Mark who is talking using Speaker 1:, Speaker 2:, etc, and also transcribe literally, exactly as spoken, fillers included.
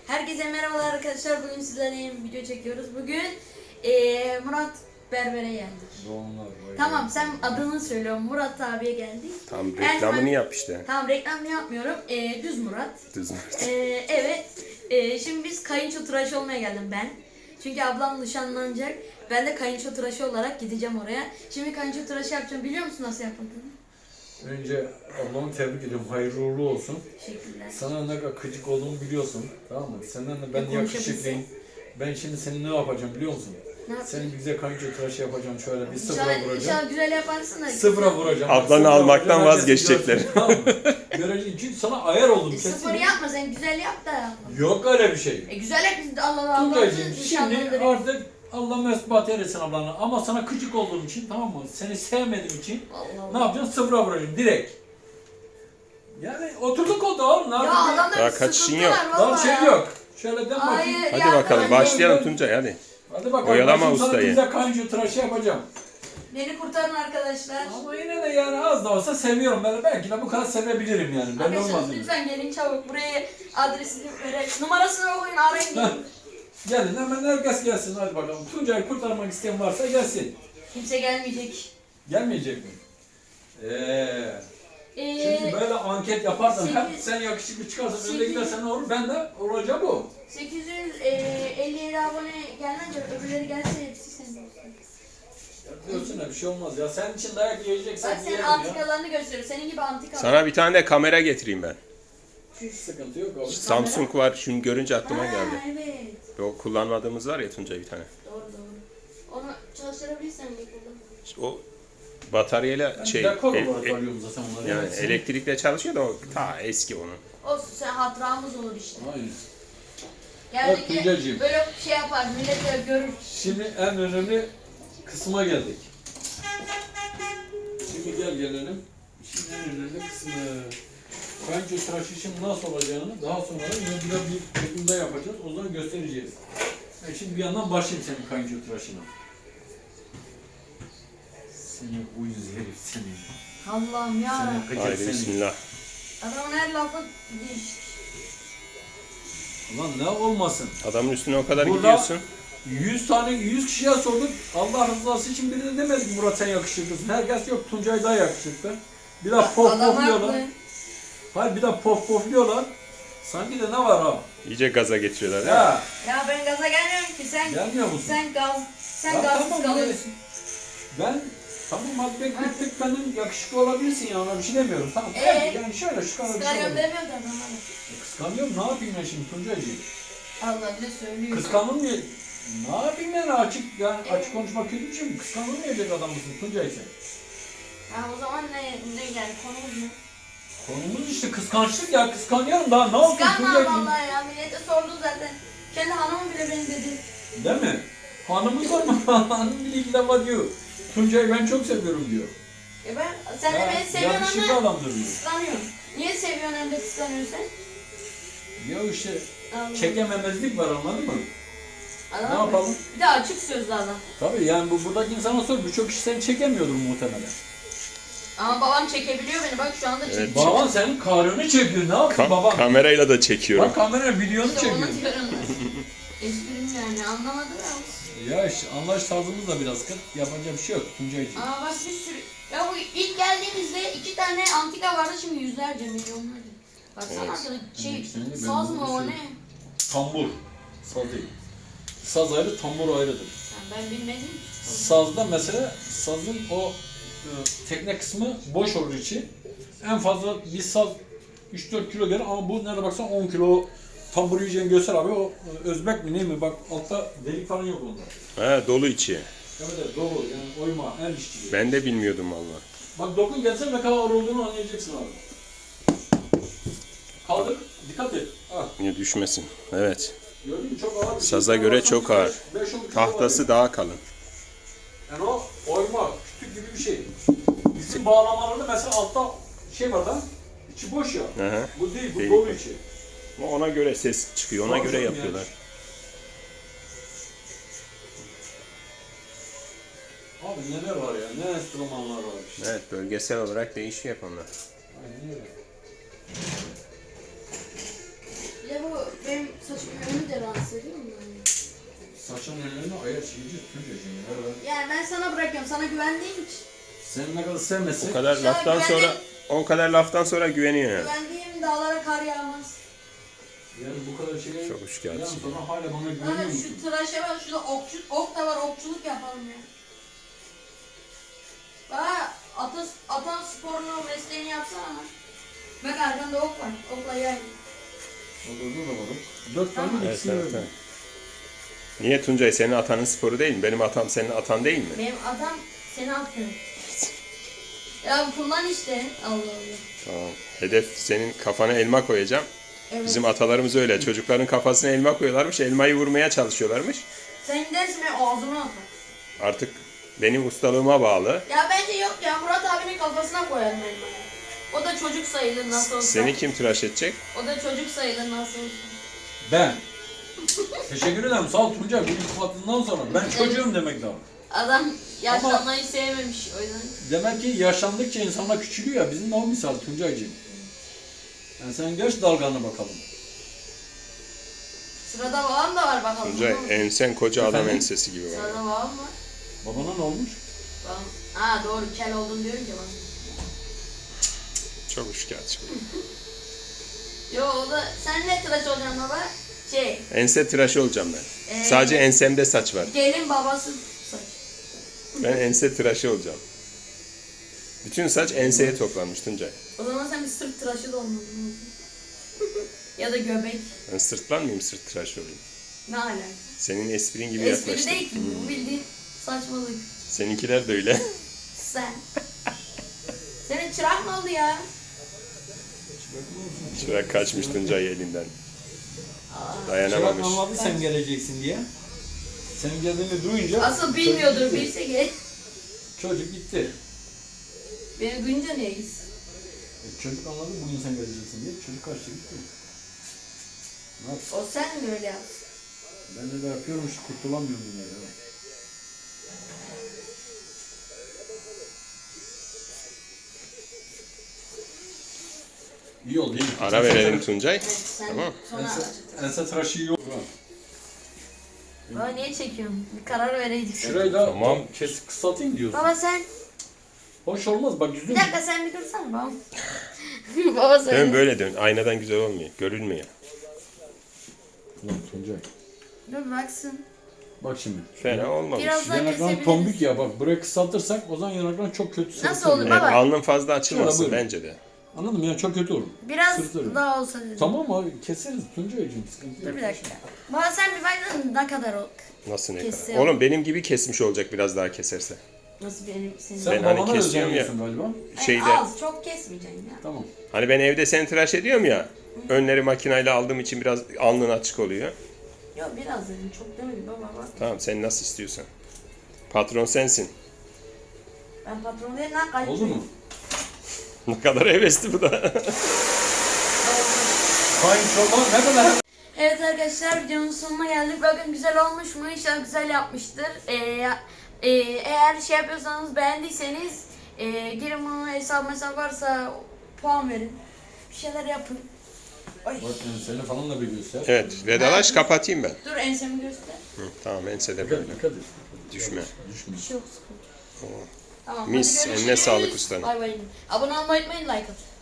Speaker 1: Herkese merhabalar arkadaşlar. Bugün sizlerle yeni bir video çekiyoruz. Bugün ee, Murat Berber'e geldik.
Speaker 2: Doğumlar,
Speaker 1: Tamam, sen adını söylüyorum. Murat abiye geldik.
Speaker 3: Tam
Speaker 1: Yani
Speaker 3: reklamını
Speaker 1: ben-
Speaker 3: yap işte.
Speaker 1: Tamam, reklamını yapmıyorum. Ee, düz Murat.
Speaker 3: Düz Murat.
Speaker 1: Ee, evet. Ee, şimdi biz kayınço tıraşı olmaya geldim ben. Çünkü ablam nişanlanacak. Ben de kayınço tıraşı olarak gideceğim oraya. Şimdi kayınço tıraşı yapacağım. Biliyor musun nasıl yapıldığını?
Speaker 2: Önce ablamı tebrik ediyorum. Hayırlı uğurlu olsun.
Speaker 1: Teşekkürler.
Speaker 2: Sana ne kadar gıcık olduğumu biliyorsun. Tamam mı? Senden de ben
Speaker 1: Ya
Speaker 2: yakışıklıyım. Ben şimdi seni ne yapacağım biliyor musun?
Speaker 1: Ne yapayım?
Speaker 2: Senin güzel kayınço tıraşı yapacağım şöyle bir sıfıra
Speaker 1: İnşallah,
Speaker 2: vuracağım.
Speaker 1: inşallah güzel yaparsın da.
Speaker 2: Sıfıra vuracağım.
Speaker 3: Ablanı
Speaker 2: Sıfıra
Speaker 3: almaktan
Speaker 2: vuracağım,
Speaker 3: vazgeçecekler.
Speaker 2: herkes görsün, Tamam mı? Görecek. Çünkü sana ayar oldum.
Speaker 1: E,
Speaker 2: kesin.
Speaker 1: sıfır yapma, sen güzel yap da yapma.
Speaker 2: Yok öyle bir şey.
Speaker 1: E güzel yap, biz de Allah Allah Allah.
Speaker 2: Tuncay'cığım şimdi artık Allah mesbat eylesin ablanı. Ama sana gıcık olduğum için, tamam mı? Seni sevmediğim için
Speaker 1: Allah
Speaker 2: ne
Speaker 1: Allah.
Speaker 2: yapacaksın? Sıfıra vuracaksın direkt. Yani oturduk oldu oğlum. Ne
Speaker 1: Ya
Speaker 2: yapayım?
Speaker 1: adamda
Speaker 3: Daha
Speaker 1: bir
Speaker 3: kaçışın
Speaker 1: sıkıntı
Speaker 3: yok.
Speaker 1: var
Speaker 2: Daha
Speaker 1: valla
Speaker 2: şey
Speaker 1: ya.
Speaker 2: yok. Şöyle den bakayım.
Speaker 1: Hayır
Speaker 3: Hadi
Speaker 1: ya,
Speaker 3: bakalım
Speaker 1: ben-
Speaker 3: başlayalım Tuncay hadi.
Speaker 2: Hadi bakalım.
Speaker 3: Oyalama
Speaker 2: ben şimdi sana
Speaker 3: ustayı.
Speaker 2: güzel kayınço tıraşı yapacağım.
Speaker 1: Beni kurtarın arkadaşlar.
Speaker 2: Ama yine de yani az da olsa seviyorum ben. Belki de bu kadar sevebilirim yani. Ben
Speaker 1: Arkadaşlar
Speaker 2: olmaz mı?
Speaker 1: lütfen gelin çabuk. Buraya adresini verelim. Numarasını okuyun, arayın gelin.
Speaker 2: Gelin hemen herkes gelsin hadi bakalım. Tuncay'ı kurtarmak isteyen varsa gelsin.
Speaker 1: Kimse gelmeyecek.
Speaker 2: Gelmeyecek mi? Eee.
Speaker 1: Ee,
Speaker 2: Çünkü böyle anket yaparsan
Speaker 1: sekiz-
Speaker 2: hep sen yakışıklı çıkarsan önde
Speaker 1: sekiz-
Speaker 2: gidersen ne olur? Ben de olacak o.
Speaker 1: sekiz yüz elli yedi abone gelmence öbürleri gelse hepsi senin olsun.
Speaker 2: Ya diyorsun ya bir şey olmaz ya. Sen için dayak yiyeceksen
Speaker 1: Bak senin
Speaker 2: yiyelim ya.
Speaker 1: antikalarını gösteriyor. Senin gibi antika.
Speaker 3: Sana bir tane de kamera getireyim ben.
Speaker 2: Sıkıntı yok abi.
Speaker 3: Samsung var, şunu görünce aklıma
Speaker 1: Ha,
Speaker 3: geldi.
Speaker 1: evet.
Speaker 3: O kullanmadığımız var ya Tuncay bir tane.
Speaker 1: Doğru doğru. Onu çalıştırabilirsen de kullan.
Speaker 3: İşte o bataryayla
Speaker 2: Ben
Speaker 3: şey,
Speaker 2: dekor
Speaker 3: el-
Speaker 2: olarak
Speaker 3: e-
Speaker 2: alıyorum zaten onları.
Speaker 3: yani
Speaker 2: Evet, senin-
Speaker 3: elektrikle çalışıyor da o ta eski onun.
Speaker 1: Olsun, sen hatıramız olur işte.
Speaker 2: Aynen.
Speaker 1: Geldik
Speaker 2: Bak Tuncay'cığım.
Speaker 1: böyle şey yapar, millet de görür.
Speaker 2: Şimdi en önemli kısma geldik. Şimdi gel gelelim. Şimdi en önemli kısmı. Kayınço tıraşı için nasıl olacağını daha sonra yine bir de bir çekimde yapacağız. O zaman göstereceğiz. Ben şimdi bir yandan başlayayım senin kayınço tıraşına. Seni uyuz herif seni.
Speaker 1: Allah'ım ya.
Speaker 2: Seni gıcık
Speaker 3: Haydi
Speaker 2: seni.
Speaker 3: bismillah.
Speaker 1: Adamın her lafı değişik.
Speaker 2: Ulan ne olmasın.
Speaker 3: Adamın üstüne o kadar
Speaker 2: Burada-
Speaker 3: gidiyorsun.
Speaker 2: yüz tane yüz kişiye sorduk. Allah rızası için birine demedik Murat sen yakışıklısın. Herkes yok Tuncay daha yakışıklı. Bir daha pof
Speaker 1: Adam
Speaker 2: pofluyorlar.
Speaker 1: haklı.
Speaker 2: Hayır bir daha pof pofluyorlar. Sanki de ne var ha?
Speaker 3: İyice gaza getiriyorlar değil mi?
Speaker 2: Ya
Speaker 1: Ya ben gaza gelmiyorum ki, sen
Speaker 2: gelmiyor musun?
Speaker 1: sen gaz sen
Speaker 2: Ya
Speaker 1: gazsız
Speaker 2: tamam,
Speaker 1: kalıyorsun.
Speaker 2: Ben tamam hadi ben tek tek benden yakışıklı olabilirsin ya ona bir şey demiyorum. Tamam.
Speaker 1: Ee?
Speaker 2: Evet, yani şöyle şu kadar bir şey
Speaker 1: Kıskanıyorum
Speaker 2: olabilir.
Speaker 1: demiyor da adam bana.
Speaker 2: Kıskanıyorum ne yapayım ben şimdi Tuncay'cığım?
Speaker 1: Allah bile söylüyor.
Speaker 2: Kıskanım diye ne yapayım yani açık yani açık konuşmak kötü bir şey mi? Kıskanılmayacak adam mısın Tuncay sen?
Speaker 1: Ha, o zaman ne ne yani konumuz ne?
Speaker 2: Konumuz işte kıskançlık ya kıskanıyorum daha ne yapayım
Speaker 1: Kıskanma
Speaker 2: Tuncay'cığım?
Speaker 1: vallahi ya, millete sordu zaten. Kendi hanımım bile beni dedi.
Speaker 2: Değil mi? Hanımız var mı? Hanım bile ilk defa diyor. Tuncay'ı ben çok seviyorum diyor.
Speaker 1: E ben sen de
Speaker 2: Ya,
Speaker 1: beni seviyorsun
Speaker 2: yakışıklı
Speaker 1: ama
Speaker 2: adamdır diyor.
Speaker 1: kıskanıyorsun. Niye seviyorsun hem de kıskanıyorsun sen?
Speaker 2: Ya işte
Speaker 1: Allah.
Speaker 2: çekememezlik var anladın mı?
Speaker 1: Adam
Speaker 2: Ne yapalım?
Speaker 1: Bir de açık sözlü adam.
Speaker 2: Tabii yani bu buradaki insana sor birçok kişi seni çekemiyordur muhtemelen.
Speaker 1: Ama babam çekebiliyor beni, bak şu anda
Speaker 3: Evet.
Speaker 1: çekiyor.
Speaker 2: Baban senin karını çekiyor ne yaptın
Speaker 3: Ka-
Speaker 2: baban?
Speaker 3: kamerayla da çekiyorum.
Speaker 2: Bak kamera videonu
Speaker 1: İşte
Speaker 2: çekiyor.
Speaker 1: onu diyorum ben. Esprim yani, anlamadım ya.
Speaker 2: Ya işte anlaş tarzımız da biraz kıt. Yapacak bir şey yok Tuncay'cığım.
Speaker 1: Ama bak bir sürü... Ya bu ilk geldiğimizde iki tane antika vardı, şimdi yüzlerce, milyonlarca. Baksana
Speaker 3: Evet.
Speaker 1: arkada şey,
Speaker 2: Evet, şimdi ben
Speaker 1: saz
Speaker 2: bunu
Speaker 1: mı o
Speaker 2: düşünüyorum.
Speaker 1: ne?
Speaker 2: Tambur. Saz değil. Saz ayrı, tambur ayrıdır.
Speaker 1: Yani ben bilmedim.
Speaker 2: Sazda mesela sazın o e, tekne kısmı boş olur içi. En fazla bir saz üç dört kilo gelir ama bu nerede baksan on kilo tambur yiyeceğini göster abi o e, Özbek mi ne mi bak altta delik falan yok onda.
Speaker 3: He dolu içi.
Speaker 2: Evet evet dolu yani oyma el işçiliği.
Speaker 3: Ben de bilmiyordum valla.
Speaker 2: Bak dokun gelse ne kadar ağır olduğunu anlayacaksın abi. Kaldır dikkat et. Ah,
Speaker 3: Niye düşmesin? Evet.
Speaker 2: gördün mü çok ağır bir şey.
Speaker 3: Saza göre çok ağır.
Speaker 2: beş on kilo var
Speaker 3: Tahtası
Speaker 2: ya.
Speaker 3: daha kalın.
Speaker 2: Yani o oyma, kütük gibi bir şey. Bizim bağlamalarda mesela altta şey var da, içi boş ya.
Speaker 3: Hı hı.
Speaker 2: Bu değil, bu
Speaker 3: Değil.
Speaker 2: dolu içi.
Speaker 3: Ama ona göre ses çıkıyor, ona
Speaker 2: Tabii
Speaker 3: göre
Speaker 2: canım
Speaker 3: yapıyorlar.
Speaker 2: Abi neler var ya, ne enstrümanlar var işte.
Speaker 3: Evet, bölgesel olarak değişiyor onlar.
Speaker 2: Aynen öyle.
Speaker 1: Bir de bu benim saçım önümü de rahatsız ediyor mu? Yani?
Speaker 2: Saçın önlerine ayar çekici Tuncay'cığım. Evet.
Speaker 1: Yani ben sana bırakıyorum. Sana güvendiğim için.
Speaker 2: Sen ne kadar sevmezsek
Speaker 3: O kadar
Speaker 1: Şöyle
Speaker 3: laftan
Speaker 1: güvenli-
Speaker 3: sonra o kadar laftan sonra güveniyor yani.
Speaker 1: Güvendiğim dağlara kar yağmaz.
Speaker 2: yani bu kadar şeye
Speaker 3: Çok şikayetçi.
Speaker 2: yan sonra hala bana
Speaker 1: Abi
Speaker 2: güveniyor musun?
Speaker 1: şu tıraşa bak. Şurada okçu, ok da var. Okçuluk yapalım ya. Bak ata, atan sporunu mesleğini yapsana. Bak arkanda ok var. Okla yay.
Speaker 2: Orada da var. Dört tane
Speaker 1: Tamam.
Speaker 3: Evet,
Speaker 2: ikisini
Speaker 3: evet,
Speaker 2: verdim.
Speaker 3: evet. Niye Tuncay senin atanın sporu değil mi? Benim atam senin atan değil mi?
Speaker 1: Benim adam seni atıyor. Ya kullan işte. Allah Allah.
Speaker 3: Tamam. Hedef senin kafana elma koyacağım.
Speaker 1: Evet.
Speaker 3: Bizim atalarımız öyle. Çocukların kafasına elma koyuyorlarmış. Elmayı vurmaya çalışıyorlarmış.
Speaker 1: Sen gidersin ve ağzına atar.
Speaker 3: Artık benim ustalığıma bağlı.
Speaker 1: Ya bence yok ya. Murat abinin kafasına koyarım elmayı. O da çocuk sayılır nasıl olsa.
Speaker 3: Seni kim tıraş edecek?
Speaker 1: O da çocuk sayılır nasıl olsa.
Speaker 2: Ben. Teşekkür ederim. Sağ ol Tuncay. Bu iltifatından sonra. Ben çocuğum demek lazım.
Speaker 1: Adam yaşlanmayı sevmemiş o yüzden.
Speaker 2: Demek ki yaşlandıkça insanlar küçülüyor ya. Bizim de o misal Tuncay'cığım. Yani sen geç dalganı bakalım.
Speaker 1: Sırada babam da var bakalım.
Speaker 3: Tuncay ensen koca adam
Speaker 2: Efendim?
Speaker 3: ensesi gibi var.
Speaker 1: Sırada babam var.
Speaker 2: Babana ne olmuş?
Speaker 1: Babam. Aa doğru kel oldun diyorum ki bana.
Speaker 3: Çok şikayetçi.
Speaker 1: Yo o da sen ne tıraş olacaksın baba? Şey
Speaker 3: Ense tıraşı olacağım ben.
Speaker 1: Ee,
Speaker 3: Sadece ensemde saç var.
Speaker 1: gelin babası saç.
Speaker 3: Ben ense tıraşı olacağım. Bütün saç enseye toplanmış Tuncay.
Speaker 1: O zaman sen bir sırt tıraşı da olmadın. ya da göbek.
Speaker 3: Ben sırtlanmayayım, sırt tıraşı olayım.
Speaker 1: Ne alaka?
Speaker 3: Senin esprin gibi
Speaker 1: Espri
Speaker 3: yaklaştım.
Speaker 1: değil ki bu bildiğin saçmalık.
Speaker 3: Seninkiler de öyle.
Speaker 1: Sen. Senin çırak mı oldu ya?
Speaker 3: Çırak kaçmış Tuncay elinden.
Speaker 2: Çırak
Speaker 3: Dayanamamış.
Speaker 2: anladı sen geleceksin diye. Senin geldiğini duyunca
Speaker 1: Asıl bilmiyordur
Speaker 2: çocuk gitti.
Speaker 1: bilse gel.
Speaker 2: Çocuk gitti.
Speaker 1: Beni duyunca niye gitsin?
Speaker 2: E, çocuk anladı bugün sen geleceksin diye. Çocuk kaçtı gitti. Ne yapsın?
Speaker 1: O sen mi öyle yapsın?
Speaker 2: Ben de, de yapıyorum işte kurtulamıyorum yine ya. İyi oldu iyi.
Speaker 3: Ara verelim Tuncay.
Speaker 1: Evet sen
Speaker 3: Tamam.
Speaker 1: sonra
Speaker 2: Ense,
Speaker 1: arayacaksın.
Speaker 2: ense tıraşı iyi oldu.
Speaker 1: Baba niye çekiyorsun? Bir karar vereydik.
Speaker 2: Şurayı da
Speaker 3: Tamam.
Speaker 2: kes, kısaltayım diyorsun.
Speaker 1: Baba sen,
Speaker 2: Hoş olmaz bak yüzüm.
Speaker 1: bir dakika sen bir dursana baba. baba
Speaker 3: Dön
Speaker 1: söyle.
Speaker 3: böyle dön. Aynadan güzel olmuyor. Görünmüyor.
Speaker 2: Lan Tuncay.
Speaker 1: Dur baksın.
Speaker 2: Bak şimdi.
Speaker 3: Fena olmamış.
Speaker 1: Biraz daha
Speaker 2: Yanakların
Speaker 1: kesebiliriz.
Speaker 2: tombik ya bak burayı kısaltırsak o zaman yanakların çok kötü sırıtır.
Speaker 1: Nasıl olur
Speaker 2: yani.
Speaker 1: baba?
Speaker 3: Evet, alnın fazla açılmasın
Speaker 2: Şöyle buyurun.
Speaker 3: bence de.
Speaker 2: Anladın mı? Yani çok kötü olur.
Speaker 1: Biraz
Speaker 2: Sırıtırım.
Speaker 1: daha olsa dedim.
Speaker 2: Tamam abi keseriz Tuncay'cığım sıkıntı
Speaker 1: Dur
Speaker 2: yok.
Speaker 1: bir dakika. Baba sen bir baksana ne kadar o.
Speaker 3: Nasıl ne
Speaker 1: Kesiyor.
Speaker 3: kadar? Oğlum benim gibi kesmiş olacak biraz daha keserse.
Speaker 1: Nasıl benim senin.
Speaker 2: Sen
Speaker 3: Ben hani
Speaker 2: babana
Speaker 3: kesiyorum ya.
Speaker 2: özeniyorsun galiba.
Speaker 1: Ay,
Speaker 3: Şeyde
Speaker 1: az çok kesmeyeceksin ya.
Speaker 2: Tamam.
Speaker 3: hani ben evde seni tıraş ediyorum ya. Önleri makinayla aldığım için biraz alnın açık oluyor.
Speaker 1: Yok biraz dedim çok demedim baba bak.
Speaker 3: Tamam sen nasıl istiyorsan. Patron sensin.
Speaker 1: Ben patron değilim lan kayıp.
Speaker 2: Oldu mu?
Speaker 3: Ne kadar hevesli bu da.
Speaker 2: Kayınçolar ne kadar
Speaker 1: Evet arkadaşlar videonun sonuna geldik. Bakın güzel olmuş mu? İnşallah güzel yapmıştır. Ee, e, eğer şey yapıyorsanız beğendiyseniz e, girin bunu hesap hesap varsa puan verin. Bir şeyler yapın. Ay.
Speaker 2: Bak seni falan da bir göster.
Speaker 3: Evet vedalaş kapatayım ben.
Speaker 1: Dur ensemi göster.
Speaker 3: Hı, tamam ensede
Speaker 2: Dikkat
Speaker 3: böyle.
Speaker 2: et, dikkat et.
Speaker 3: Düşme.
Speaker 2: Düşme.
Speaker 1: Bir şey yok sıkıntı.
Speaker 3: Tamam.
Speaker 1: Tamam.
Speaker 3: Mis,
Speaker 1: hadi
Speaker 3: eline
Speaker 1: görüşürüz.
Speaker 3: sağlık ustanın.
Speaker 1: Bay bay. Abone olmayı unutmayın, like atın.